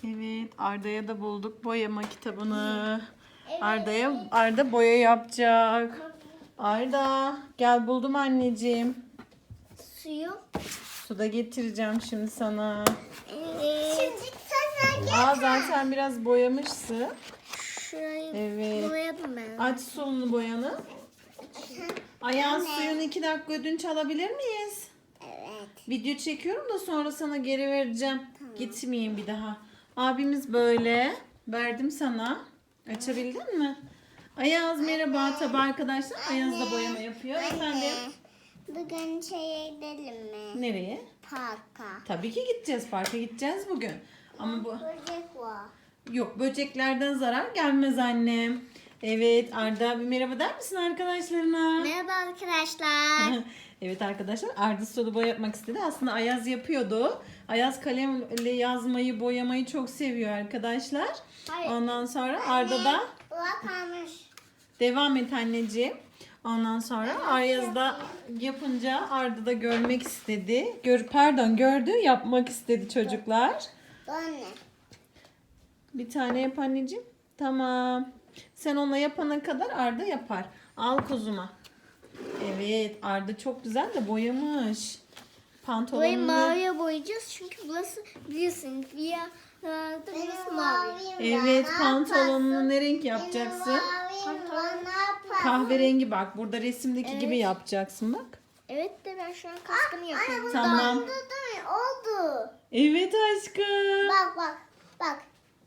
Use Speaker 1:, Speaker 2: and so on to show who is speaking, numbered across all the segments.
Speaker 1: Evet, Arda'ya da bulduk boyama kitabını.
Speaker 2: Evet.
Speaker 1: Arda boya yapacak. Arda gel, buldum anneciğim.
Speaker 2: Suyu.
Speaker 1: Su da getireceğim şimdi sana.
Speaker 2: Evet. Şimdi sana
Speaker 1: Zaten biraz boyamışsın.
Speaker 2: şurayı
Speaker 1: Evet.
Speaker 2: boyadım ben.
Speaker 1: Aç solunu boyanı. Ayaz, suyunu 2 dakika ödünç alabilir miyiz?
Speaker 2: Evet.
Speaker 1: Video çekiyorum da sonra sana geri vereceğim. Gitmeyeyim bir daha. Abimiz böyle. Verdim sana. Açabildin mi? Ayaz merhaba. Tabi arkadaşlar Ayaz da boyama yapıyor. Efendim?
Speaker 2: Bugün şeye gidelim mi?
Speaker 1: Nereye?
Speaker 2: Parka.
Speaker 1: Tabii ki gideceğiz. Parka gideceğiz bugün. Ama bu
Speaker 2: Böcek var.
Speaker 1: yok, böceklerden zarar gelmez annem. Evet, Arda bir merhaba der misin arkadaşlarına?
Speaker 2: Merhaba arkadaşlar.
Speaker 1: Evet arkadaşlar, Arda sulu boya yapmak istedi. Aslında Ayaz yapıyordu. Ayaz kalemle yazmayı, boyamayı çok seviyor arkadaşlar.
Speaker 2: Hayır.
Speaker 1: Ondan sonra Arda da
Speaker 2: Bak almış.
Speaker 1: devam et anneciğim. Ondan sonra Ayaz da yapınca Arda da görmek istedi. Gördü, yapmak istedi çocuklar.
Speaker 2: Anne.
Speaker 1: Bir tane yap anneciğim. Tamam. Sen onunla yapana kadar Arda yapar. Al kuzuma. Evet, Arda çok güzel de boyamış.
Speaker 2: Burayı
Speaker 1: Pantolonunu.
Speaker 2: maviye boyayacağız çünkü burası biliyorsun rüyalarda burası mavi.
Speaker 1: Evet, pantolonunu ne renk yapacaksın? Kahverengi bak. Burada resimdeki gibi yapacaksın bak.
Speaker 2: Evet de ben şu an kaskını yapıyorum.
Speaker 1: Tamam.
Speaker 2: Oldu.
Speaker 1: Evet aşkım.
Speaker 2: Bak.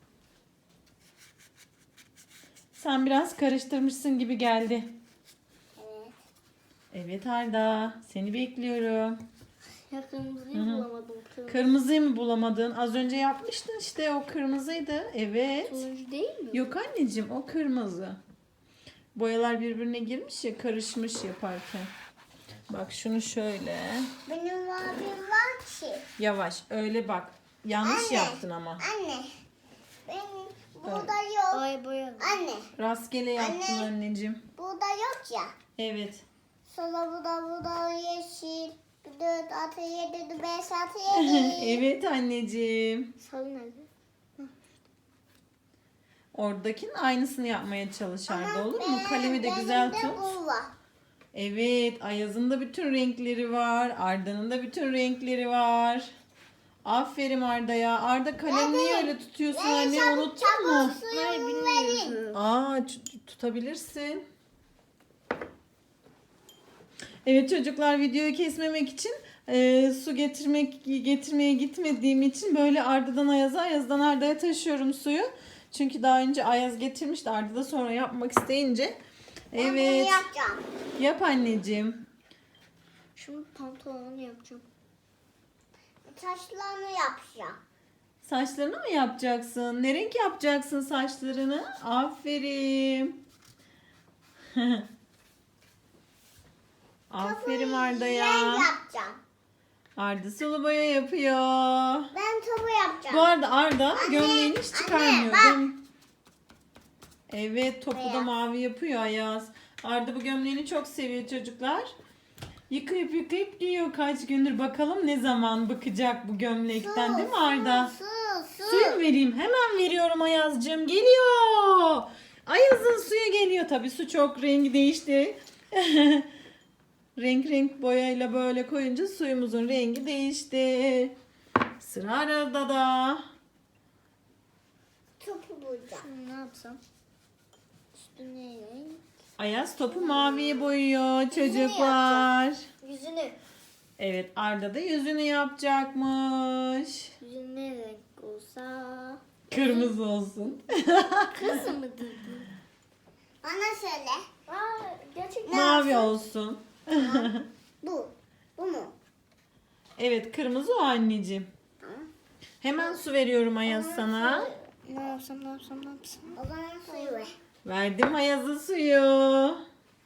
Speaker 1: Sen biraz karıştırmışsın gibi geldi.
Speaker 2: Evet.
Speaker 1: Evet Arda, seni bekliyorum.
Speaker 2: Ya kırmızıyı bulamadım.
Speaker 1: Kırmızıyı mı bulamadın? Az önce yapmıştın işte, o kırmızıydı. Evet.
Speaker 2: Turuncu değil mi?
Speaker 1: Yok anneciğim, o kırmızı. Boyalar birbirine girmiş ya, karışmış yaparken. Bak şunu şöyle.
Speaker 2: Benim mavim var ki.
Speaker 1: Yavaş öyle bak. Yanlış
Speaker 2: Anne.
Speaker 1: yaptın ama.
Speaker 2: Anne. Benim burada yok. Ay boyadım. Anne.
Speaker 1: Rastgele yaptın
Speaker 2: Anne.
Speaker 1: anneciğim.
Speaker 2: Burada yok ya.
Speaker 1: Evet.
Speaker 2: Sonra burada yeşil. 4, 6, 7, 5, 6, 7.
Speaker 1: Evet anneciğim.
Speaker 2: Sarı nerede?
Speaker 1: Oradakinin aynısını yapmaya çalış Arda, olur mu?
Speaker 2: Ben-
Speaker 1: Kalemi de
Speaker 2: benim
Speaker 1: güzel
Speaker 2: de
Speaker 1: tut.
Speaker 2: bu var.
Speaker 1: Evet, Ayaz'ın da bütün renkleri var. Arda'nın da bütün renkleri var. Aferin Arda'ya. Arda kalem niye öyle tutuyorsun anne? Unuttun mu?
Speaker 2: Hayır bilmiyorum.
Speaker 1: Tutabilirsin. Evet çocuklar, videoyu kesmemek için su getirmeye gitmediğim için böyle Arda'dan Ayaz'a, Ayaz'dan Arda'ya taşıyorum suyu. Çünkü daha önce Ayaz getirmişti. Arda da sonra yapmak isteyince.
Speaker 2: Ben bunu
Speaker 1: Evet.
Speaker 2: yapacağım.
Speaker 1: Yap anneciğim.
Speaker 2: Şu pantolonu yapacağım. Saçlarını yapacağım.
Speaker 1: Saçlarını mı yapacaksın? Ne renk yapacaksın saçlarını? Aferin. Aferin Arda'ya.
Speaker 2: Ben yapacağım.
Speaker 1: Arda sulu boya yapıyor.
Speaker 2: Ben topu yapacağım.
Speaker 1: Bu arada Arda
Speaker 2: Anne,
Speaker 1: gömleğini hiç çıkarmıyor.
Speaker 2: bak.
Speaker 1: Evet, topu da
Speaker 2: Beyaz.
Speaker 1: mavi yapıyor Ayaz. Arda bu gömleğini çok seviyor çocuklar. Yıkayıp giyiyor kaç gündür. Bakalım ne zaman bıkacak bu gömlekten, değil mi Arda?
Speaker 2: Su.
Speaker 1: Suyu mu vereyim? Hemen veriyorum Ayaz'cığım. Geliyor. Ayaz'ın suyu geliyor. Tabii su çok rengi değişti. Renk boyayla böyle koyunca suyumuzun rengi değişti. Sıra Arda'da da.
Speaker 2: Topu bulacağım. Şimdi ne yapsam? Üstüne renk.
Speaker 1: Ayaz topu maviye boyuyor çocuklar.
Speaker 2: Yüzünü.
Speaker 1: Evet, Arda da yüzünü yapacakmış.
Speaker 2: Yüzü ne renk olsa?
Speaker 1: Kırmızı olsun.
Speaker 2: Kız mı dedin? Bana söyle. Gerçekten.
Speaker 1: Mavi olsun.
Speaker 2: Bu. Bu mu?
Speaker 1: Evet, kırmızı o anneciğim. Hemen su veriyorum Ayaz sana.
Speaker 2: Ne yapsam? O zaman suyu ver.
Speaker 1: Verdim Ayaz'a suyu.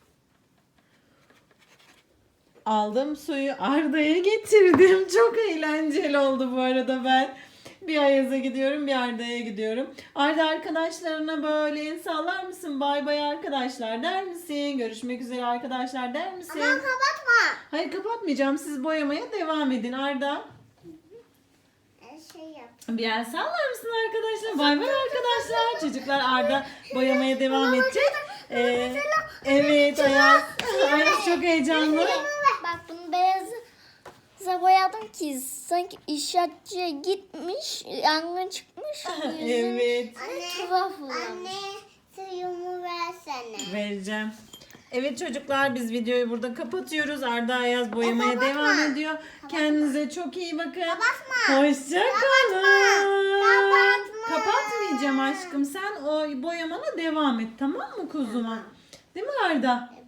Speaker 1: Aldım suyu Arda'ya getirdim. Çok eğlenceli oldu bu arada ben. Bir Ayaz'a gidiyorum, bir Arda'ya gidiyorum. Arda arkadaşlarına böyle el sallar mısın? Bay bay arkadaşlar der misin? Görüşmek üzere arkadaşlar der misin?
Speaker 2: Aman kapatma.
Speaker 1: Hayır, kapatmayacağım. Siz boyamaya devam edin Arda.
Speaker 2: Şey yap.
Speaker 1: Bir el sallar mısın arkadaşlar? Bay bay arkadaşlar. Çocuklar Arda boyamaya devam edecek. Evet Ayaz. Ayaz çok heyecanlı.
Speaker 2: Bak bunu beyaza boyadım ki sanki inşaatçıya gitmiş, yangın çıkmış.
Speaker 1: Evet.
Speaker 2: Tuhaf Anne suyumu versene.
Speaker 1: Vereceğim. Evet çocuklar biz videoyu burada kapatıyoruz. Arda Ayaz boyamaya devam ediyor. Kendinize çok iyi bakın. Hoşça kalın. Kapatmayacağım aşkım. Sen o boyamana devam et, tamam mı kuzuma? Değil mi Arda?